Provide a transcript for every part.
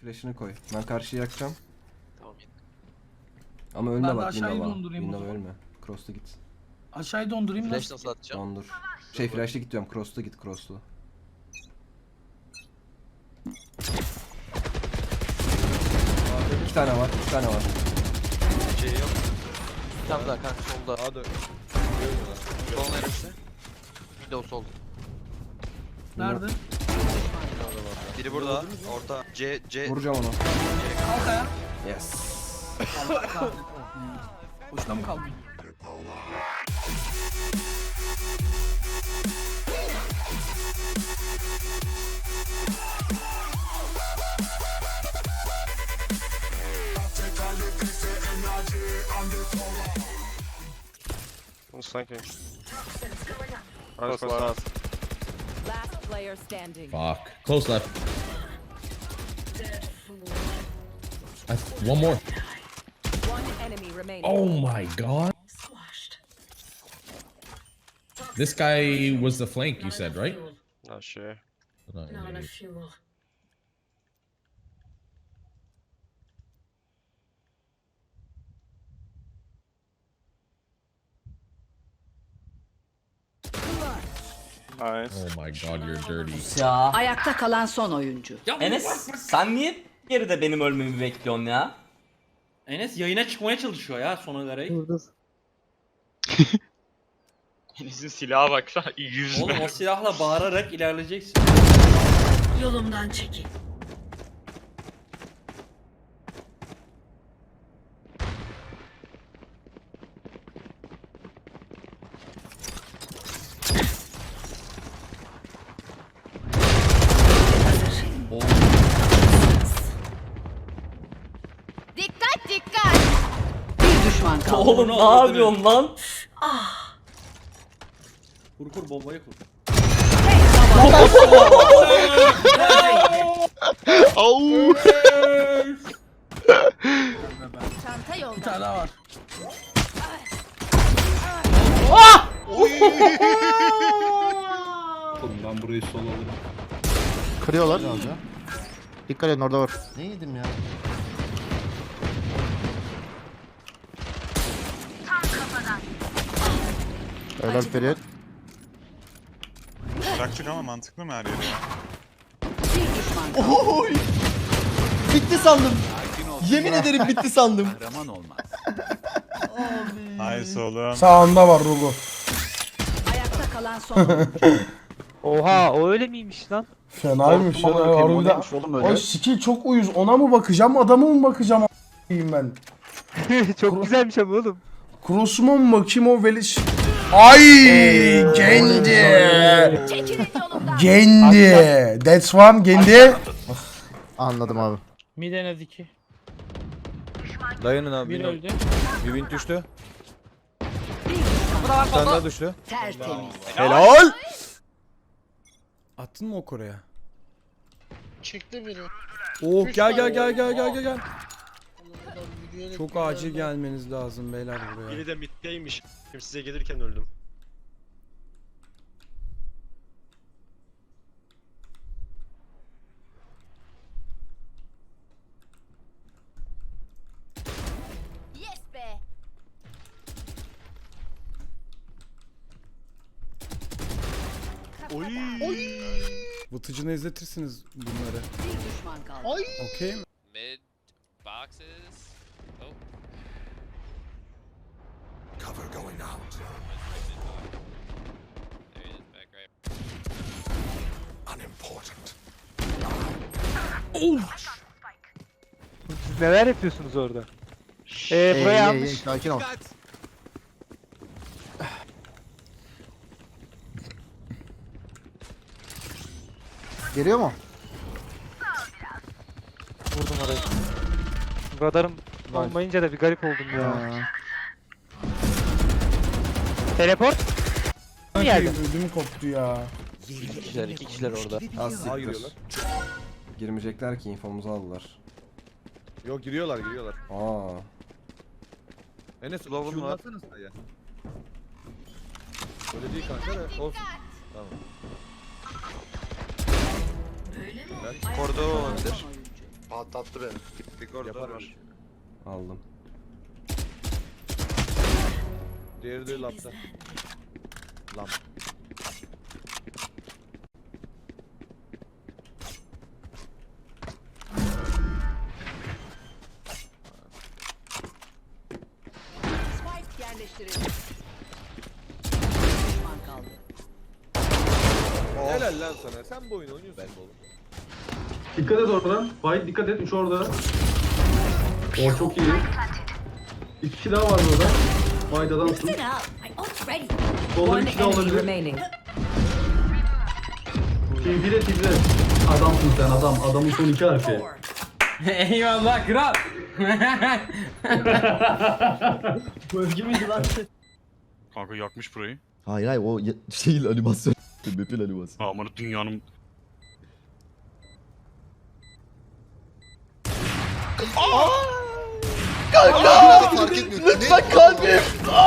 Flash'ını koy. Ben karşıya yakacağım. Tamam. Ama ölme Ben de bak aşağıyı Windows'a. dondurayım o Windows'a zaman. ölme. Cross'ta git. Aşağıya dondurayım Flash nasıl? nasıl atacağım? Dondur. Şey flash'ta git diyorum. Cross'ta git cross'ta. İki tane var. İki tane var. Şey yok. Bir tane daha kanka solda. Hadi. Sol neresi? Windows sol. Nerede? Biri burada. Orta. C. Vuracağım onu. Kalk ayağa. Yes. Boşuna mı kaldın? Sniping. Close Close left. Last player standing. Fuck. Close left. One more. One enemy remaining. Oh my god. This guy was the flank, you said, right? Not sure. Not really. Nice. Oh my god, you're dirty. Ya Ayakta kalan son oyuncu. Enes sen niye geride benim ölmemi bekliyorsun ya? Enes yayına çıkmaya çalışıyor ya sona kadar. Enes'in silaha bak şu an 100 Oğlum o silahla bağırarak ilerleyeceksin. Yolumdan çekil. Dikkat dikkat. Bir düşman kaldı. Oğlum ne yapıyorsun lan? Kur kur bombayı kur. Çanta Bir yolda. tane daha var. Ben burayı sol alırım. Kırıyorlar. Dikkat edin orada var. Ne yedim ya? Helal Ferit. Bıraktık ama mantıklı mı her yeri ya? Bir düşman kaldı. Bitti sandım. Yemin ederim bitti sandım. Nice oğlum. Sağında var Rugo. Ayakta kalan son oyuncu. Oha o öyle miymiş lan? Fenaymış ya. Harbiden. O skill çok uyuz. Ona mı bakacağım, adama mı bakacağım a**ayım ben. Çok güzelmiş ama oğlum. Cross'uma mı bakayım o veliş. Ay Gendi. Çekilin yolumdan. Gendi. That's one Gendi. Anladım abi. Mid en az 2. Dayanın abi. Bir öldü. Bir win düştü. Bir düşman. Bir tane daha düştü. Tertemiz. Helal. Attın mı o Kore'ye? Çekti biri. Oh gel. Çok acil gelmeniz lazım beyler buraya. Biri de middeymiş. Size gelirken öldüm. Yes be. Vıtıcını izletirsiniz bunları. Bir düşman kaldı. Okey mi? Mid boxes. Oh. There he is, back right. Siz neler yapıyorsunuz orada? Buraya almış. Sakin ol. Geliyor mu? Vurdum orayı. Radarım olmayınca da bir garip oldum ya. Teleport. Okey, ödümü koptu ya. İki kişiler orada. Az siktir. Girmeyecekler ki infomuzu aldılar. Yok giriyorlar. Aa. Enes Global var. ya. Öyle değil kanka da olsun. Tamam. Kordo olabilir. Patlattı beni. Bir koridor var. Aldım. Diğeri de lapta. Lamp. Spike yerleştirildi. Bir düşman kaldı. Helal lan sana. Sen bu oyunu oynuyorsun oğlum. Dikkat et oradan. Bay dikkat et. 3 orada. O çok iyi. 2 kişi daha var burada. Bay'da adamsın. Solda bir kişi daha olabilir. remaining. Tilde tilde. Adamsın sen adam. Adamın son 2 harfi. Eyvallah kral. Bu özgü müydü lan? Kanka yakmış burayı. Hayır hayır o şeyin animasyon. Map'in animasyonu. Aman dünyanın... Fark etmiyor. Lütfen kalbim.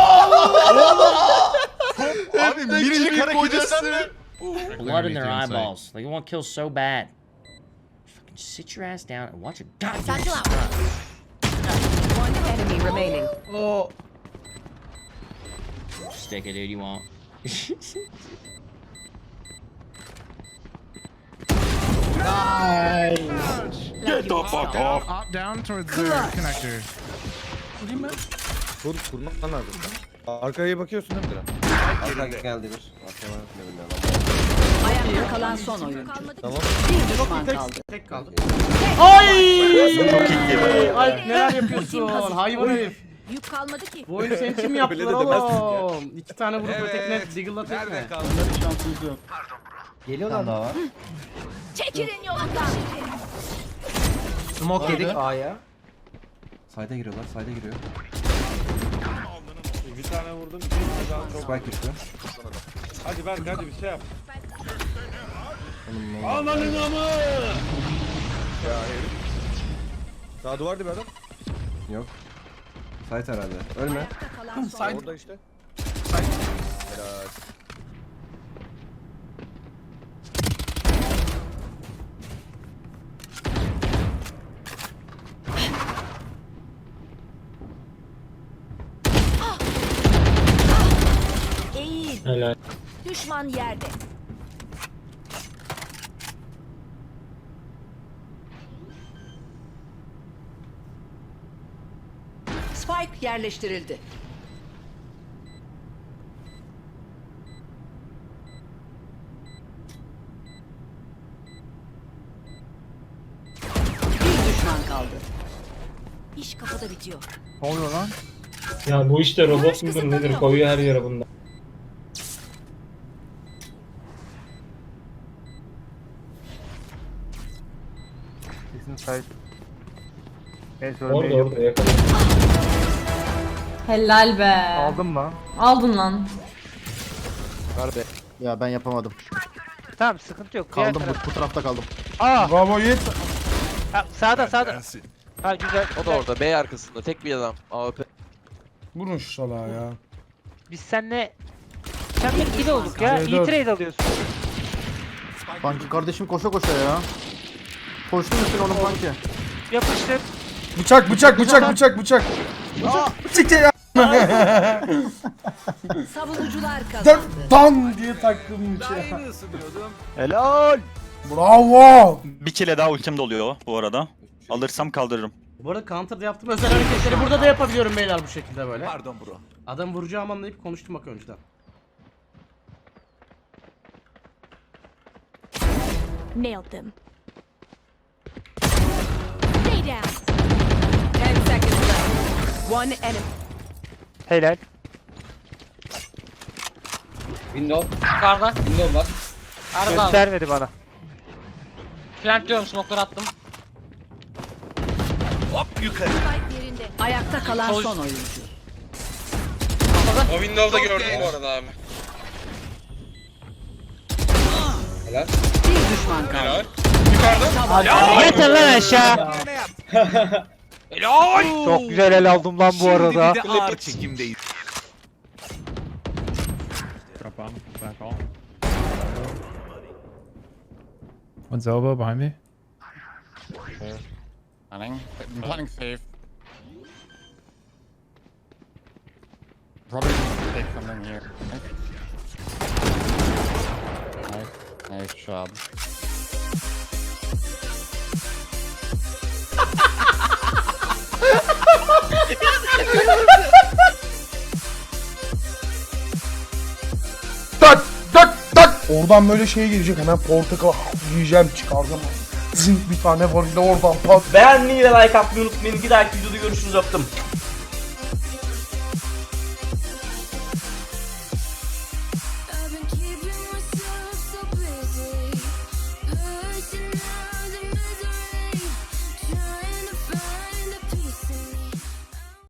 Abi minicik hareket etsen de. Blood in their eyeballs. Like you want to kill so bad. Fucking sit your ass down and watch a goddamn Satchel out. One enemy remaining. stick it, dude. You won't. Get the fuck off. Down towards the connector. Kurmak lazım. Arkaya bakıyorsun değil mi Diren? Arka geldi bir. Arkaya bak ne bilmiyorum. Ayakta kalan son oyuncu. Tamam. Bir düşman kaldı. Tek kaldı. Alp neler yapıyorsun? Hayvan herif. Yük kalmadı ki. Bu oyunu senin için mi yaptılar oğlum? 2 tane vurup tekne, Diggle'la tekne. Şansımız yok. Geliyorlar daha var. Çekilin yolundan. Smoke yedik A'ya. Sayda giriyorlar. Sayda giriyor. Bir tane vurdum. Bir tane daha çok. Spike düştü. Hadi Berk hadi bir şey yap. Onun ne oldu? Ananın amı. Ya herif. Daha duvar dibi adam. Yok. Sait herhalde. Ölme. Ayakta kalan son. Orada işte. Helal. Eğil. Düşman yerde. Spike yerleştirildi. Bir düşman kaldı. İş kafada bitiyor. Ne oluyor lan? Ya bu işte robot mudur nedir koyuyor her yere bunda. Kesin sahip. Orada yakaladım. Helal be. Aldın mı? Aldın lan. Ver be. Ya ben yapamadım. Tamam sıkıntı yok. Diğer taraf- bu tarafta kaldım. Aa! Bravo Yiğit. Ha, sağda. Ha güzel. O da orada B arkasında tek bir adam. AWP. Vurun şu salağı ya. Biz seninle ikili olduk ya. Evet, İyi evet. trade alıyorsun. Panki kardeşim koşa koşa ya. Koştun üstüne onun Panki. Yapıştır. Bıçak. Bıçak ya. Savunucular kazandı. Dan diye taktım bıçağı. Helal. Bravo. Bir kere daha ultim doluyor bu arada. Alırsam kaldırırım. Bu arada counter'da yaptığım özel hareketleri burada da yapabiliyorum beyler bu şekilde böyle. Pardon bro. Adam vuracağım anlayıp konuştum bak önceden. Nailed them. Stay down. 10 seconds left. One enemy. Helal. Window. Yukarıda. Window var. Göstermedi bana. Plant diyorum smoke'ları attım. Spike yerinde. Ayakta kalan son oyuncu. O window'da gördüm bu arada abi. Bir düşman kaldı. Yeter lan aşağı. Çok güzel el aldım lan bu arada. Ağır çekimdeyiz. One's elbow behind me. I'm planning safe. Probably take something here. Nice job. Tak tak tak. Oradan böyle şey gelecek, hemen portakal yiyeceğim, çıkaracağım. Zınk bir tane var, oradan pat. Beğenmeyi ve like atmayı unutmayın. Bir dahaki videoda görüşürüz, öptüm.